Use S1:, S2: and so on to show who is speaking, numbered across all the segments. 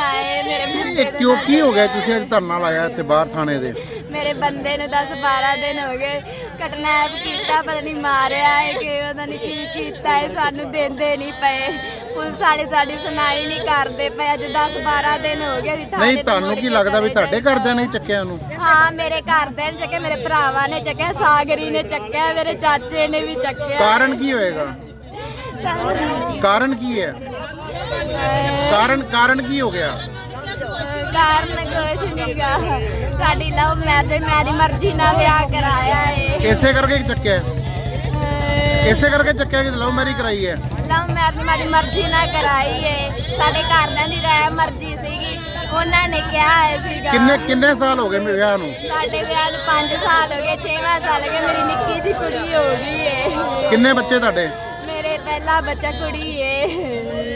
S1: ਹਾਏ ਮੇਰੇ ਬੰਦੇ
S2: ਇਹ ਕਿਉਂ ਕੀ ਹੋ ਗਿਆ ਤੁਸੀਂ ਅੱਜ ਧਰਨਾ ਲਾਇਆ ਇੱਥੇ ਬਾਹਰ ਥਾਣੇ ਦੇ?
S1: ਮੇਰੇ ਬੰਦੇ ਨੂੰ 10-12 ਦਿਨ ਹੋ ਗਏ ਕਿਡਨੈਪ ਕੀਤਾ, ਪਤਾ ਨਹੀਂ ਮਾਰਿਆ ਹੈ ਕਿ ਪਤਾ ਨਹੀਂ ਕੀ ਕੀਤਾ ਹੈ, ਸਾਨੂੰ ਦਿੰਦੇ ਨਹੀਂ ਪਏ। ਪੁਲਿਸ ਵਾਲੇ ਸਾਡੀ ਸੁਣਾਈ ਨਹੀਂ ਕਰਦੇ ਪਏ। ਅੱਜ 10-12 ਦਿਨ ਹੋ ਗਏ ਅਸੀਂ ਥਾਣੇ
S2: ਨਹੀਂ ਤੁਹਾਨੂੰ ਕੀ ਲੱਗਦਾ ਵੀ ਤੁਹਾਡੇ ਘਰਦਿਆਂ ਨੇ ਚੱਕਿਆ ਉਹਨੂੰ?
S1: ਹਾਂ ਮੇਰੇ ਘਰਦਿਆਂ ਨੇ ਚੱਕਿਆ, ਮੇਰੇ ਭਰਾਵਾਂ ਨੇ ਚੱਕਿਆ, ਸਾਗਰੀ ਨੇ ਚੱਕਿਆ, ਮੇਰੇ ਚਾਚੇ ਨੇ ਵੀ ਚੱਕਿਆ।
S2: ਕਾਰਨ ਕੀ ਹੋਏਗਾ? ਕਾਰਨ ਕੀ ਹੈ? ਕਾਰਨ ਕੀ ਹੋ ਗਿਆ?
S1: ਕਾਰਨ ਕੁਛ ਨਹੀਂਗਾ, ਸਾਡੀ ਲਵ ਮੈਰਿਜ ਮੇਰੀ ਮਰਜ਼ੀ ਨਾਲ ਵਿਆਹ ਕਰਾਇਆ ਏ।
S2: ਇਸੇ ਕਰਕੇ ਚੱਕਿਆ? ਇਸੇ ਕਰਕੇ ਚੱਕਿਆ ਕਿ ਲਵ ਮੈਰਿਜ ਕਰਾਈ ਹੈ?
S1: ਲਵ ਮੈਰਿਜ ਮੇਰੀ ਮਰਜ਼ੀ ਨਾਲ ਕਰਾਈ ਏ। ਸਾਡੇ ਘਰਦਿਆਂ ਦੀ ਰਾਏ ਮਰਜ਼ੀ ਸੀਗੀ, ਉਹਨਾਂ ਨੇ ਕਿਹਾ ਸੀਗਾ।
S2: ਕਿੰਨੇ ਸਾਲ ਹੋ ਗਏ ਵਿਆਹ ਨੂੰ?
S1: ਸਾਡੇ ਵਿਆਹ ਨੂੰ 5 ਸਾਲ ਹੋ ਗਏ, 6ਵਾਂ ਸਾਲ ਹੋ ਗਿਆ। ਮੇਰੀ ਨਿੱਕੀ ਜਿਹੀ ਕੁੜੀ ਹੋ ਗਈ ਏ।
S2: ਕਿੰਨੇ ਬੱਚੇ ਤੁਹਾਡੇ?
S1: ਮੇਰੇ ਪਹਿਲਾ ਬੱਚਾ ਕੁੜੀ ਏ।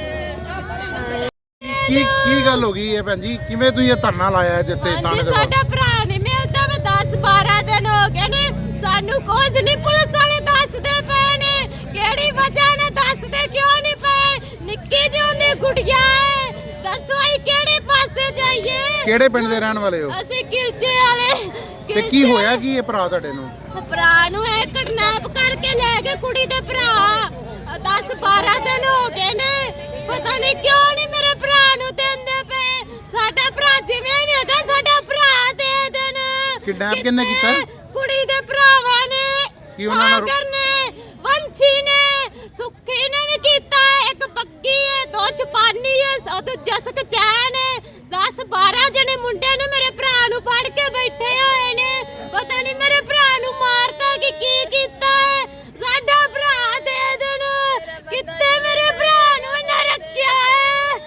S2: ਕੀ ਗੱਲ ਹੋ ਗਈ ਹੈ ਭੈਣ ਜੀ? ਕਿਵੇਂ ਤੁਸੀਂ ਇਹ ਧਰਨਾ ਲਾਇਆ ਜਿੱਥੇ ਥਾਣੇ ਦੇ?
S1: ਸਾਡਾ ਭਰਾ ਨਹੀਂ ਮਿਲਦਾ, ਮੈਂ 10-12 ਦਿਨ ਹੋ ਗਏ ਨੇ, ਸਾਨੂੰ ਕੁਝ ਨਹੀਂ ਪੁਲਿਸ ਵਾਲੇ ਦੱਸਦੇ ਪਏ ਨੇ। ਕਿਹੜੀ ਵਜ੍ਹਾ ਨਾਲ ਦੱਸਦੇ ਕਿਉਂ ਨਹੀਂ ਪਏ? ਨਿੱਕੀ ਜਿਹੀ ਉਹਦੀ ਗੁੜੀਆ ਹੈ, ਦੱਸੋ ਅਸੀਂ ਕਿਹੜੇ ਪਾਸੇ ਜਾਈਏ?
S2: ਕਿਹੜੇ ਪਿੰਡ ਦੇ ਰਹਿਣ ਵਾਲੇ ਹੋ?
S1: ਅਸੀਂ ਕਿਲਚੇ ਵਾਲੇ।
S2: ਤੇ ਕੀ ਹੋਇਆ ਕੀ ਇਹ ਭਰਾ ਤੁਹਾਡੇ ਨੂੰ?
S1: ਭਰਾ ਨੂੰ ਇਹ ਕਿਡਨੈਪ ਕਰਕੇ ਲੈ ਗਏ ਕੁੜੀ ਦੇ ਭਰਾ। 10-12 ਦਿਨ ਹੋ ਗਏ ਨੇ, ਪਤਾ ਨਹੀਂ ਕਿਉਂ ਨਹੀਂ ਮੇਰੇ ਭਰਾ ਨੂੰ ਦਿੰਦੇ ਪਏ। ਸਾਡਾ ਭਰਾ ਜਿਵੇਂ ਵੀ ਹੈਗਾ ਸਾਡਾ ਭਰਾ ਦੇ ਦੇਣ।
S2: ਕਿਡਨੈਪ ਕਿਹਨੇ ਕੀਤਾ?
S1: ਕੁੜੀ ਦੇ ਭਰਾਵਾਂ ਨੇ,
S2: ਕੀ ਉਹਨਾਂ ਨਾਲ?
S1: ਸਾਗਰ ਨੇ, ਵੰਸ਼ੀ ਨੇ, ਸੁੱਖੀ ਨੇ ਵੀ ਕੀਤਾ। ਇੱਕ ਬੱਗੀ ਹੈ, 2 ਚਪਾਨੀ ਹੈ, ਉਹ ਦੂਜਾ ਸਕਚੈਨ ਹੈ। 10-12 ਜਣੇ ਮੁੰਡੇ ਨੇ ਮੇਰੇ ਭਰਾ ਨੂੰ ਫੜ ਕੇ ਬੈਠੇ ਹੋਏ ਨੇ। ਪਤਾ ਨਹੀਂ ਮੇਰੇ ਭਰਾ ਨੂੰ ਮਾਰਤਾ ਕਿ ਕੀ ਕੀਤਾ ਹੈ। ਸਾਡਾ ਭਰਾ ਦੇ ਦੇਣ। ਕਿੱਥੇ ਮੇਰੇ ਭਰਾ ਨੂੰ ਨਾ ਰੱਖਿਆ ਹੈ?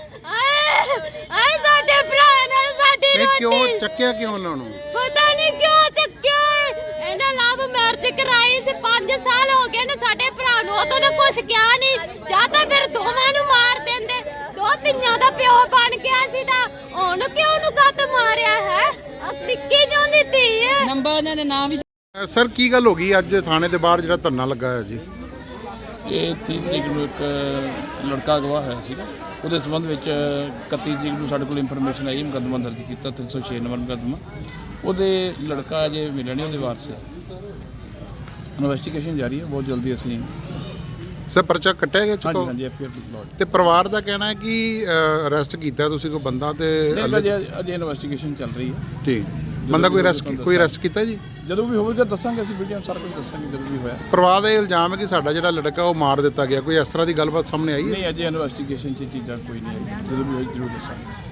S1: ਆਏ ਸਾਡੇ ਭਰਾ ਨਾਲ ਸਾਡੀ
S2: ਇਹ ਕਿਉਂ
S1: ਰੋਟੀ।
S2: ਚੱਕਿਆ ਕਿਉਂ ਉਹਨਾਂ ਨੂੰ?
S1: ਪਤਾ ਨਹੀਂ ਕਿਉਂ ਚੱਕਿਆ ਹੈ। ਇਹਨਾਂ ਲਵ ਮੈਰਿਜ ਕਰਾਈ ਸੀ, 5 ਸਾਲ ਹੋ ਗਏ ਨੇ ਸਾਡੇ ਭਰਾ ਨੂੰ। ਉਦੋਂ ਤਾਂ ਕੁਛ ਕਿਹਾ ਨਹੀਂ, ਜਾਂ ਤਾਂ ਫਿਰ ਦੋਵਾਂ ਨੂੰ ਮਾਰ ਦਿੰਦੇ। 2 ਧੀਆਂ ਦਾ ਪਿਓ ਬਣ ਗਿਆ ਸੀ ਤਾਂ ਹੁਣ ਕਿਉਂ ਨੂੰ ਕੱਟ ਮਾਰਿਆ ਹੈ? ਨਿੱਕੀ ਜਿਹੀ ਧੀ ਹੈ।
S3: ਨੰਬਰ ਇਹਨਾਂ ਦੇ ਨਾਮ ਵੀ।
S2: ਸਰ ਕੀ ਗੱਲ ਹੋ ਗਈ ਅੱਜ ਥਾਣੇ ਦੇ ਬਾਹਰ ਜਿਹੜਾ ਧਰਨਾ ਲੱਗਾ ਹੋਇਆ ਜੀ?
S4: ਇਹ 30 ਤਰੀਕ ਨੂੰ ਇੱਕ ਲੜਕਾ ਅਗਵਾ ਹੋਇਆ ਸੀਗਾ, ਉਹਦੇ ਸੰਬੰਧ ਵਿੱਚ 31 ਤਰੀਕ ਨੂੰ ਸਾਡੇ ਕੋਲ ਇਨਫੋਰਮੇਸ਼ਨ ਆਈ, ਮੁਕੱਦਮਾ ਦਰਜ ਕੀਤਾ 306 ਨੰਬਰ ਮੁਕੱਦਮਾ। ਉਹਦੇ ਲੜਕਾ ਅਜੇ ਮਿਲਿਆ ਨਹੀਂ, ਉਹਦੇ ਵਾਰਸ ਹੈ। ਇਨਵੈਸਟੀਗੇਸ਼ਨ ਜਾਰੀ ਹੈ, ਬਹੁਤ ਜਲਦੀ ਅਸੀਂ।
S2: ਸਰ ਪਰਚਾ ਕੱਟਿਆ ਗਿਆ ਚੁੱਕੋ?
S4: ਹਾਂਜੀ ਐਫਆਈਆਰ ਲੌਜ।
S2: ਤੇ ਪਰਿਵਾਰ ਦਾ ਕਹਿਣਾ ਹੈ ਕਿ ਅਰੈਸਟ ਕੀਤਾ ਤੁਸੀਂ ਕੋਈ ਬੰਦਾ ਤੇ
S4: ਅਜੇ ਇਨਵੈਸਟੀਗੇਸ਼ਨ ਚੱਲ ਰਹੀ ਹੈ।
S2: ਠੀਕ ਬੰਦਾ ਕੋਈ ਅਰੈਸਟ ਕੀਤਾ ਜੀ?
S4: ਜਦੋਂ ਵੀ ਹੋਵੇਗਾ ਦੱਸਾਂਗੇ, ਅਸੀਂ ਵੀਡੀਓ ਸਾਰਾ ਕੁਝ ਦੱਸਾਂਗੇ ਜਦੋਂ ਵੀ ਹੋਇਆ।
S2: ਪਰਿਵਾਰ ਦਾ ਇਹ ਇਲਜ਼ਾਮ ਹੈ ਕਿ ਸਾਡਾ ਜਿਹੜਾ ਲੜਕਾ ਉਹ ਮਾਰ ਦਿੱਤਾ ਗਿਆ, ਕੋਈ ਇਸ ਤਰ੍ਹਾਂ ਦੀ ਗੱਲਬਾਤ ਸਾਹਮਣੇ ਆਈ ਹੈ?
S4: ਨਹੀਂ, ਅਜੇ ਇਨਵੈਸਟੀਗੇਸ਼ਨ 'ਚ ਚੀਜ਼ਾਂ ਕੋਈ ਨਹੀਂ ਆਈ, ਜਦੋਂ ਵੀ ਹੋਈ ਜ਼ਰੂਰ ਦੱਸਾਂਗੇ।